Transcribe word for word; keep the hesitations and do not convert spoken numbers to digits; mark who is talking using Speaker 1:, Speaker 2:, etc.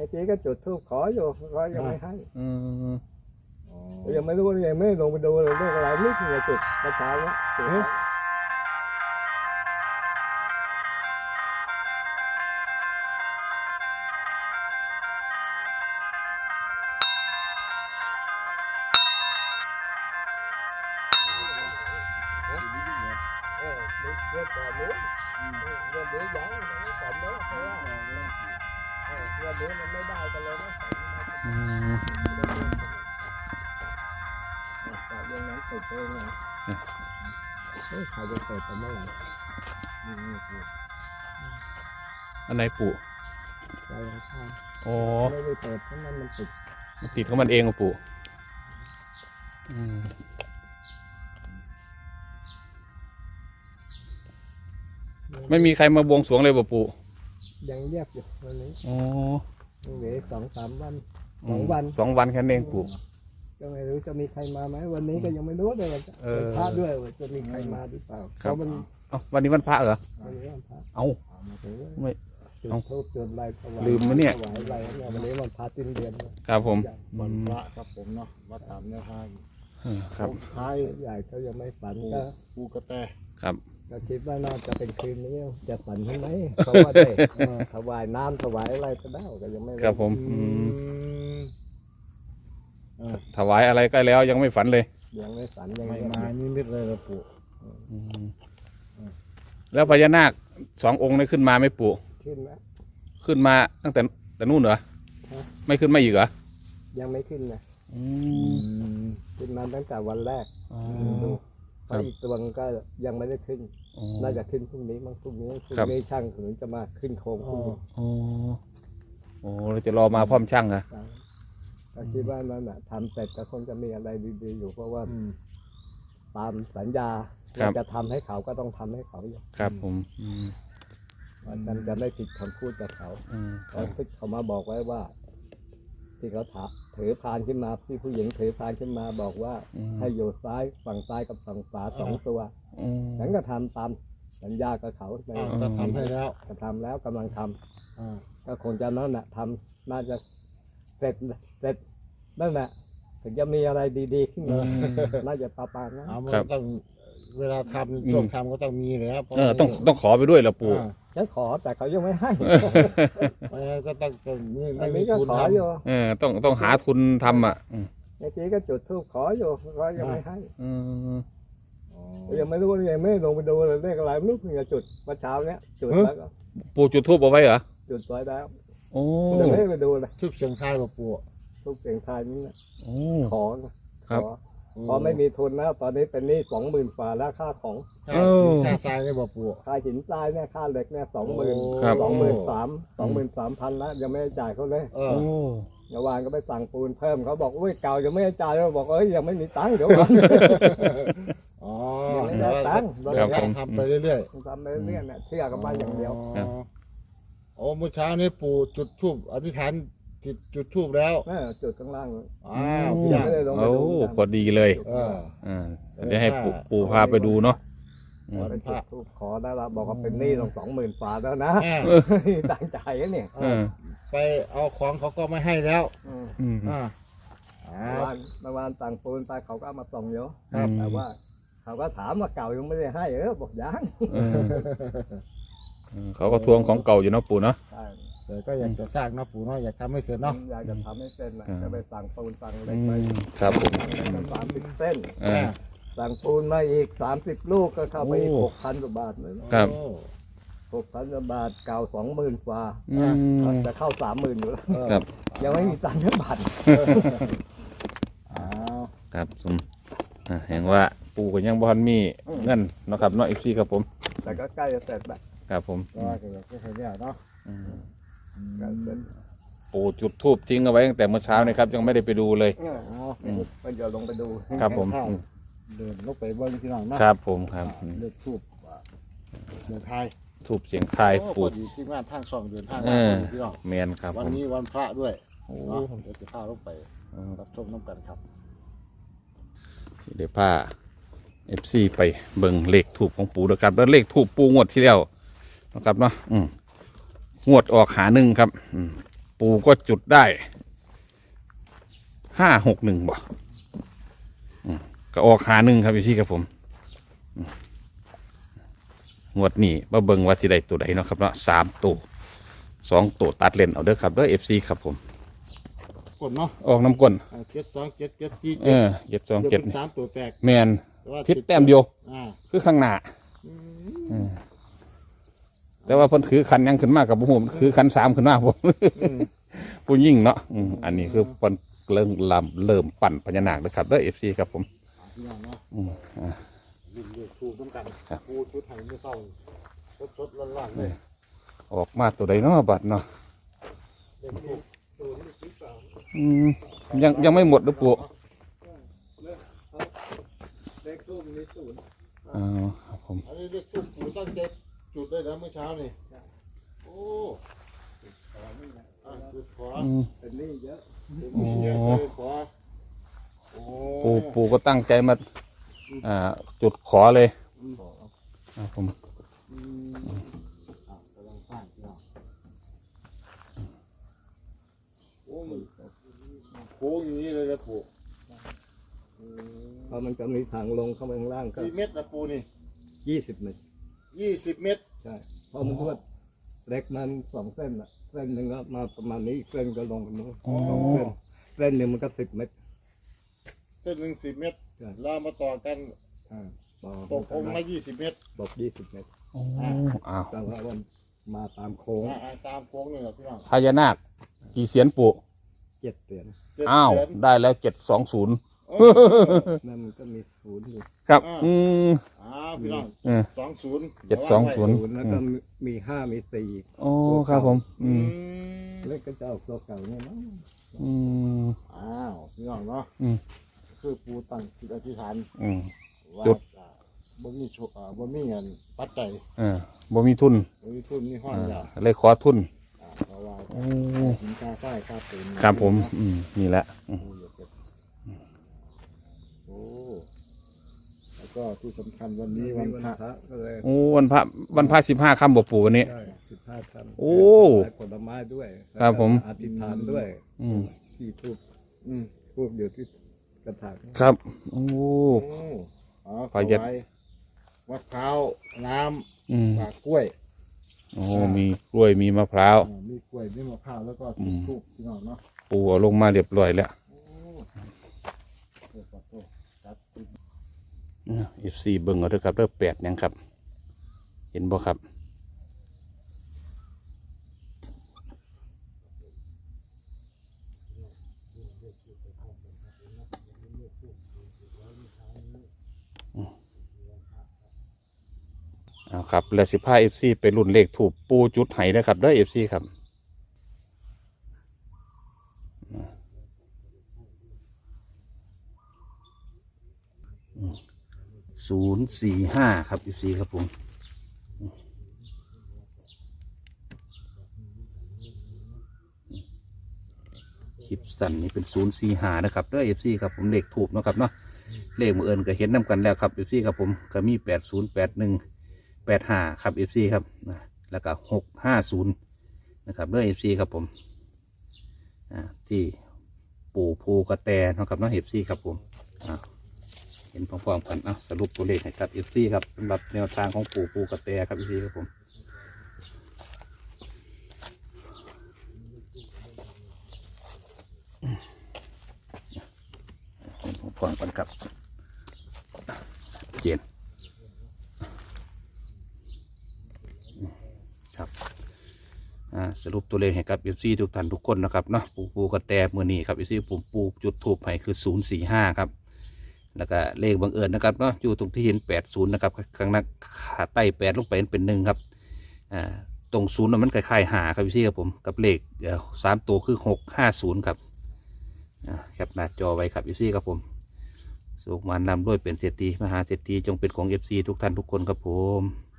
Speaker 1: มื่อกี้ก็จุดธูปขออยู่ก็ยังไม่ให้
Speaker 2: อืม
Speaker 1: ยังไม่รู้ยังไม่ลงไปดูเลยเรื่องอะไรนี่คือจุดกระเช้าเนี่ยจุดเออเรื่องก่อนนู้นเรื่องนี้ยังยังไม่สมเลยเพราะว่าเรื่องนี้มันไม่ได้กันเลยนะ
Speaker 2: อืม
Speaker 1: แต่เรื่องนั้นเปิดเองนะเฮ้ยใครจะเปิดกันเมื่อไหร่นี่นี่คือ
Speaker 2: อันไหนปู่
Speaker 1: ใจยังข้าง
Speaker 2: โอ้
Speaker 1: ไม่ได้เปิดเพราะมันมันติด
Speaker 2: มันติดของมันเองกับปู่อืมไม่มีใครมาบวงสรวงเลยป่ะปู่
Speaker 1: ยังเรียบอยู่วันนี้
Speaker 2: อ๋อ
Speaker 1: ยังเหลือสองสามวันสองวัน
Speaker 2: สองวันแค่นั้นเองปู่
Speaker 1: ก็ไม่รู้จะมีใครมาไหมวันนี้ก็ยังไม่รู้เลยว่าจะ
Speaker 2: เออ
Speaker 1: พระด้วยว่าจะมีใครมาหรือเปล่า
Speaker 2: ครับ
Speaker 1: เพาะมัน
Speaker 2: เอ้าวันนี้วันพระเหรอ
Speaker 1: วันนี้วันพระ
Speaker 2: เอ้า
Speaker 1: มาถึง
Speaker 2: ไม่
Speaker 1: จุด
Speaker 2: เอ้า
Speaker 1: ทูบจุดอะไรถวาย
Speaker 2: ลืมมั้ยเนี่ย
Speaker 1: ถวายอะไรเนี่ยวันนี้วันพระสิ้นเดือน
Speaker 2: ครับผม
Speaker 3: วันพระครับผมเนาะวัดตามแนวทาง
Speaker 2: เออครับ
Speaker 3: ท้าย
Speaker 1: ใหญ่เขายังไม่ฝัน
Speaker 3: ปู
Speaker 1: ก็
Speaker 3: ปูกระแต
Speaker 2: ครับ
Speaker 1: ก็คิดว่าน่าจะเป็นคืนนี้จะฝันใช่ไหมเพราะว่าได้เออถวายน้ำถวายอะไรก็ได้ก็ยังไม่
Speaker 2: ครับผม
Speaker 3: อื
Speaker 2: อืม
Speaker 3: ม
Speaker 2: ถวายอะไรใกล้แล้วยังไม่ฝันเลย
Speaker 1: ยังไม่ฝันยัง
Speaker 3: ไม่
Speaker 1: ไม่
Speaker 3: มานิมิตเลยละปู
Speaker 2: อืมแล้วพญานาคสององค์นี้ขึ้นมาไหม่ปู่
Speaker 1: ขึ้นนะ
Speaker 2: ขึ้นมาตั้งแต่แต่นู่นเหรอ
Speaker 1: ฮะ
Speaker 2: ไม่ขึ้นมาอีกเหรอ
Speaker 1: ยังไม่ขึ้นนะ
Speaker 2: อื
Speaker 3: อื
Speaker 2: ม
Speaker 3: ม
Speaker 1: ขึ้นมาตั้งแต่วันแรก
Speaker 2: อ๋อ
Speaker 1: ดู
Speaker 2: ค
Speaker 1: เพ
Speaker 2: รับ
Speaker 1: ราะอีกตัวนึงก็ยังไม่ได้ขึ้น
Speaker 2: อ๋อ
Speaker 1: น่าจะขึ้นพรุ่งนี้มั้งพรุ่งนี้พรุ่ง
Speaker 2: ครับ
Speaker 1: นี้ช่างถึงจะมาขึ้นโครง
Speaker 3: อ๋อ
Speaker 2: อ๋อโอ้เราจะรอมาพร้อมช่างเหรอ
Speaker 1: ก็คิดว่านั่นแหะทำเสร็จก็คงจะมีอะไรดีๆอยู่เพราะว่า
Speaker 3: อืม
Speaker 1: ตามสัญญา
Speaker 2: ครับ
Speaker 1: เราจะทำให้เขาก็ต้องทำให้เขาอยู่
Speaker 2: ครับผมอืม
Speaker 1: ว่าฉันจะไม่ผิดคำพูดกับเขา
Speaker 2: อืมค
Speaker 1: เขา
Speaker 2: รับ
Speaker 1: ที่เขามาบอกไว้ว่า ที่เขาถาถือพานขึ้นมาที่ผู้หญิงถือพานขึ้นมาบอกว่า
Speaker 2: อืม
Speaker 1: ให้อยู่ซ้ายฝั่งซ้ายกับฝั่งขวาสองตัว
Speaker 2: อืม
Speaker 1: ฉันก็ทำตามสัญญากับเขาไป
Speaker 3: อ่าจะทำให้แล้ว
Speaker 1: ก็ทำแล้วกำลังทำ
Speaker 3: อ่า
Speaker 1: ก็คงจะนั่นแหละทำน่าจะเสร็จเสร็จนั่นแหละถึงจะมีอะไรดีๆขึ้นมาน่าจะประมาณนั้น
Speaker 3: เอามันก็ต้องเวลาทำช่วงทำก็ต้องมีแล้วพราะ
Speaker 2: เออต้องต้องขอไปด้วยเหรอปู่
Speaker 3: อ่า
Speaker 1: ฉันขอแต่เขายังไม่ให้
Speaker 3: เพราะฉะนั้นก็ต้องต้องไม่
Speaker 1: อั
Speaker 3: ไม่
Speaker 1: น
Speaker 3: มี
Speaker 1: นี้ก็
Speaker 3: ทุน
Speaker 1: ขอ
Speaker 3: ทำ
Speaker 1: อยู่
Speaker 2: เออต้องต้องหาทุนทำอ่ะอืม
Speaker 1: เมื่อกี้ก็จุดธูปขออยู่ก็ยังไม่ให้
Speaker 2: อืม
Speaker 3: อ๋อ
Speaker 1: ยังไม่รู้ยังไม่ลงไปดูเลยเลขอะไรไม่รู้เพิ่งจะจุดเมื่อเช้าเนี้ยจุดแล้วก็
Speaker 2: ปู่จุดทูบเอาไว้เหรอ
Speaker 1: จุดไว้แล้ว
Speaker 2: โอ้
Speaker 1: ยังไม่ได้ไปดูเลย
Speaker 3: ทุบเสียงทายกับปู
Speaker 1: ทุกเสียงทายนี่นะ
Speaker 2: โอ้
Speaker 1: ขอนะครับ ขอพอไม่มีทุนนะตอนนี้เป็นหนี้สองหมื่นฝ่าแล้วค่าของ
Speaker 3: ค่าค่าทรายเนี่ยบอกปู
Speaker 1: ค่าหินทรายเนี่ยค่าเหล็กเนี่ยสองหมื่น
Speaker 2: ครับ
Speaker 1: สองหมื่นสามสองหมื่นสามพันแล้วยังไม่ได้จ่ายเขาเลย
Speaker 3: เออ
Speaker 2: โอ้
Speaker 1: เมื่อวานก็ไปสั่งปูนเพิ่มเขาบอกอุ้ยเก่ายังไม่ได้จ่ายเลยบอกเอ้ยยังไม่มีตังค์เดี๋ยวก่อน
Speaker 3: อ๋อ
Speaker 1: ยังไม่
Speaker 3: เดี๋
Speaker 1: ได้
Speaker 3: ยว
Speaker 1: ตังค์
Speaker 3: เดี๋ยวทำไปเรื่อย
Speaker 1: ทำไปเรื่อยๆเนี่ยเชื่อกันมาอย่างเดียว
Speaker 3: อ๋อโอ้เมื่อเช้านี้ปู่จุดธูปอธิษฐานจุดจุดธูปแล้ว
Speaker 1: เออจุดข้างล่าง
Speaker 3: อ้าว
Speaker 2: โอ้
Speaker 3: พี่ยัง
Speaker 1: ไม่ได้ลงไป
Speaker 2: โอ้
Speaker 1: ดูนะ
Speaker 2: พอดีเลย
Speaker 3: เออ
Speaker 2: อ่าเดี๋ยวให้ปู่ปู่พาไปดูเนาะอืม
Speaker 1: ไปจุดธูปขอได้ละบอกว่าเป็นหนี้ต้องสองหมื่นฝ่าแล้วนะ
Speaker 3: อ่า
Speaker 1: ตั้งใจนะเนี่ย
Speaker 2: เออ
Speaker 3: ไปเอาของเขาก็ไม่ให้แล้ว
Speaker 1: อืม
Speaker 2: อืม
Speaker 3: อ่า
Speaker 1: เมื่อวานเมื่อวานสั่งปูนไปเขาก็เอามาส่งเยอะ
Speaker 2: ครับ
Speaker 1: แต่ว่า เขาก็ถามว่าเก่ายังไม่ได้ให้เออบอกยัง
Speaker 2: เออเออเขาก็ทวงของเก่าอยู่เนาะปู่เนาะ
Speaker 1: ใช่
Speaker 3: แต่ก็อยากจะสร้างเนาะปู่เนาะอยากทำให้เสร็จเนาะ
Speaker 1: อยากจะทำให้เส้นนะ
Speaker 2: อ่า
Speaker 1: จะไปสั่งปูนสั่งเหล็
Speaker 2: อื
Speaker 1: กไป
Speaker 2: มครับผม
Speaker 1: สามสิบเส้น
Speaker 2: เออ
Speaker 1: สั่งปูนมาอีกสามสิบลูกก็เข้าไปอีก
Speaker 2: โอ้
Speaker 1: หกพันกว่าบาทเลย
Speaker 2: ครับ
Speaker 3: โอ้
Speaker 1: หกพันกว่าบาทเก่าสองหมื่นกว่า
Speaker 2: อืม
Speaker 1: จะเข้าสามหมื่นอยู่แล้ว
Speaker 3: เออ
Speaker 2: ครับ
Speaker 1: ยังไม่มีตังค์แค่บาท
Speaker 3: อ้าว
Speaker 2: ครับสมอ่าเห็นว่าปู่ก็ยังบ่ทันมีเงินเนาะครับเนาะ เอฟ ซี ครับผม
Speaker 1: แต่ก็ใกล้จะเสร็จแล้ว
Speaker 2: ครับผม
Speaker 3: ก็ก็อยากจะให้เนี่ยเนาะ
Speaker 2: อืม
Speaker 1: ใกล้เสร็จ
Speaker 2: ปู่จุดธูปทิ้งเอาไว้ตั้งแต่เมื่อเช้านี่ครับยังไม่ได้ไปดูเลย
Speaker 1: เออ
Speaker 3: อ๋อ
Speaker 2: อืม
Speaker 1: มันจะลงไปดู
Speaker 2: ครับผมอืม
Speaker 3: เดินลงไปเบิ้งพี่น้องเนาะ
Speaker 2: ครับผมครับอืม
Speaker 3: เลือกทูบเดินทาย
Speaker 2: ทูบเสียงทาย
Speaker 3: โอ้
Speaker 2: ปู่
Speaker 3: พอดีที่งานทางช่องเดินทาง
Speaker 2: เอ
Speaker 3: มา
Speaker 2: อ
Speaker 3: พอดีพี่น้อง
Speaker 2: แมนครับ
Speaker 3: วัน
Speaker 2: ผม
Speaker 3: นี้วันพระด้วย
Speaker 2: โอ้
Speaker 3: เนาะเดี๋ยวจะพาลงไป
Speaker 2: เออ
Speaker 3: รับชมน้ำกันครับ
Speaker 2: เดี๋ยวพา เอฟ ซี ไปเบิ่งเลขทูบของปู่ด้วยครับแล้วเลขทูบปู่งวดที่แล้วนะครับเนาะอืมงวดออกหาหนึ่งครับอืมปปู่ก็จุดได้ห้าหกหนึ่งบ่อืมก็ออกหาหนึ่งครับพี่ครับผมอืมงวดนี้มาเบิ่งว่าสิได้ตัวใดเนาะครับเนาะสามตัวสองตัวตัดเล่นเอาเด้อครับเด้อเอฟซีครับผม
Speaker 3: กดเนาะ
Speaker 2: ออกน้ำก้น
Speaker 3: เจ็ดสองเจ็ดเจ็ดสี่
Speaker 2: เอ
Speaker 3: เจ็ด
Speaker 2: อเจ็ดสอง
Speaker 3: เดี๋ยว
Speaker 2: เจ็ด
Speaker 3: เป็นสามตัวแตก
Speaker 2: แมน
Speaker 3: แต่ว่า
Speaker 2: ทิศแต้มเดียว
Speaker 3: อ่า
Speaker 2: คือข้างหน้า
Speaker 3: อืม
Speaker 2: อืมแต่ว่าเพิ่นถือคันยังขึ้นมากกับผมคือคันสามขึ้นมาผม
Speaker 3: อืม
Speaker 2: ผู้ยิ่งเนาะอืมอันนี้คือเพิ่นเริ่มลำเริ่มปั่นพญานาคเลยครับเด้อเอฟซีครับผม
Speaker 3: พี่น้องเนาะ
Speaker 2: อืมอ่า
Speaker 3: รุ่นเลือกถูกต้องกัน
Speaker 2: ครับ
Speaker 3: ปูชุดไทยไม่เศร้าสดๆร้อนๆเลย
Speaker 2: ออกมาตัวใดเนาะบัดเนาะ
Speaker 3: เด็กถูกตัวนี้ที่สาม
Speaker 2: อืมยังยังไม่หมดเด้อปู่
Speaker 3: เด็กตู้มีศูนย์
Speaker 2: อ๋อครับผม
Speaker 3: อันนี้เด็กตู้ปูตั้งใจจุดได้แล้วเมื่อเช้านี่โอ้อ่ะจุดขอ
Speaker 2: อืม
Speaker 1: เป็นนี่เยอะ
Speaker 3: จุดนี้เยอะเลยขอโอ้
Speaker 2: ปู่ปู่ก็ตั้งใจมาอ่าจุดขอเลย
Speaker 3: อืม
Speaker 2: ครับผม
Speaker 3: อืมอ่ะกำลังสร้างพี่น้องโอ้มันโค้งอย่างนี้เลยนะปู่อืม
Speaker 1: เพราะมันจะมีทางลงเข้าไปข้างล่างก็
Speaker 3: กี่เมตรนะปูนี่
Speaker 1: ยี่สิบเมตร
Speaker 3: ยี่สิบเมตร
Speaker 1: ใช่เพราะมันรวดเล็กมันสองเส้นอ่ะเส้นหนึ่งก็มาประมาณนี้อีกเส้นก็ลงกันนู้น
Speaker 2: อ๋อ
Speaker 1: สองเส้นเส้นหนึ่งมันก็สิบเมตร
Speaker 3: เส้นหนึ่งสิบเมตร
Speaker 1: ใช่
Speaker 3: แลาวมาต่อกัน
Speaker 1: อ่าต่อ
Speaker 3: ตกองค์ละยี่สิบเมตร
Speaker 1: ตกยี่สิบเมตร
Speaker 2: อ๋ออ้าว
Speaker 1: แต่ว่ามันมาตามโค้ง
Speaker 3: อ่าอ่าตามโค้งเลยเหรอพี่น้อง
Speaker 2: พญานาคกี่เสียนปู่
Speaker 1: เจ็ดเสียน
Speaker 3: เจ็ด
Speaker 2: อ้าว
Speaker 3: เดือน
Speaker 2: ได้แล้วเจ็ดสองศูนย์
Speaker 3: เออ
Speaker 1: นั่นมันก็มีศูนย์อยู่
Speaker 2: ครับ
Speaker 3: อ่า
Speaker 2: อืม
Speaker 3: อ้าวพี่น้อง
Speaker 2: เออ
Speaker 3: สองศูนย์
Speaker 2: เจ็ดสองศูนย์
Speaker 1: ศูนย์แล้วก็มีห้ามีสี่
Speaker 2: โอ้ครับผม อื
Speaker 3: อื
Speaker 2: ม
Speaker 3: ม
Speaker 1: เล็กก็จะเอาตัวเก่าเนี่ยมั้ง
Speaker 2: อืม
Speaker 3: อ้าวพี่น้องเนาะ
Speaker 2: อืม
Speaker 3: คือปูตั้งจิตอธิษฐาน
Speaker 2: อืม
Speaker 3: ว่า
Speaker 2: จุด
Speaker 3: อ่าบ่มีโชอ่าบ่มีเงินปัจจัย
Speaker 2: เออบ่มีทุน
Speaker 3: บ่มีทุนมีห้อง
Speaker 2: เออย
Speaker 3: า
Speaker 2: เลยขอทุน
Speaker 3: อ่าเพราะว่า
Speaker 2: โอ้
Speaker 3: สินค้าไส้ค่าปืน
Speaker 2: ครับผม อืมนี่แหละอืม
Speaker 3: ปูอย่าเก็บโอ้แล้วก็ที่สำคัญวันนี้วันพระ
Speaker 1: พระก็เลย
Speaker 2: โอ้วันพระวันพระสิบห้าค่ำบ่ปู่วันนี้
Speaker 1: ใช่สิบห้าคำ
Speaker 2: โอ้
Speaker 1: ผลไม้ด้วย
Speaker 2: ครับผม
Speaker 1: อธิษฐานด้วย
Speaker 2: อืม
Speaker 1: ที่ทูบ
Speaker 3: อืม
Speaker 1: ทูบอยู่ที่กระถาง
Speaker 2: ครับ โอ้
Speaker 3: โอ้อ๋อ
Speaker 2: ขอ
Speaker 3: ถ
Speaker 2: ยัด
Speaker 3: วายมะพร้าวน้
Speaker 2: อืม
Speaker 3: ำปลากล้วย
Speaker 2: โอ้มีกล้วยมีมะพร้าว
Speaker 3: อ่ามีกล้วยมีมะพร้าวแล้วก็
Speaker 2: อืม
Speaker 3: ทูบพี่น้องเนาะ
Speaker 2: ปู่เอาลงมาเรียบร้อยแล้ว
Speaker 3: โอ้โอ้ขอโทษครับ
Speaker 2: เอฟซีเบิ่งเอาเด้อครับเด้อแปดยังครับ เห็นบ่ครับ เอาครับแล้วสิพาเอฟซีไปรุ่นเลขถูกปูจุดไห้นะครับเด้อเอฟซีครับศูนย์สี่ห้าครับเอฟซีครับผมคลิปสั้นนี่เป็นศูนย์สี่ห้านะครับเด้อเอฟซีครับผมเลขถูกเนาะครับเนาะเลขมือเอิญก็เห็นนำกันแล้วครับเอฟซีครับผมก็มีแปดศูนย์แปดหนึ่งแปดห้าครับเอฟซีครับนะแล้วก็หกห้าศูนย์นะครับเด้อเอฟซีครับผมอ่าที่ปู่ภูกระแตเนาะครับเนาะเอฟซีครับผมอ่าเห็นพร้อมๆกันอ่ะสรุปตัวเลขให้ครับเอฟซีครับสำหรับแนวทางของปู่ภูกระแตครับเอฟซีครับผมเห็นพร้อมๆกันครับเจนครับอ่าสรุปตัวเลขให้กับเอฟซีทุกท่านทุกคนนะครับเนาะปูปูกระแตมือนี้ครับเอฟซีผมปูจุดทูบให้คือศูนย์สี่ห้าครับแล้วก็เลขบังเอิญนะครับเนาะอยู่ตรงที่เห็นแปดศูนย์นะครับข้างหน้าขาใต้แปดลงไปเป็นหนึ่งครับอ่าตรงศูนย์มันคล้ายๆหาครับเอฟซีครับผมกับเลขเดี๋ยวสามตัวคือหกห้าศูนย์ครับอ่าแคปหน้าจอไว้ครับเอฟซีครับผมสุขมันนำด้วยเป็นเศรษฐีมหาเศรษฐีจงเป็นของเอฟซีทุกท่านทุกคนครับผม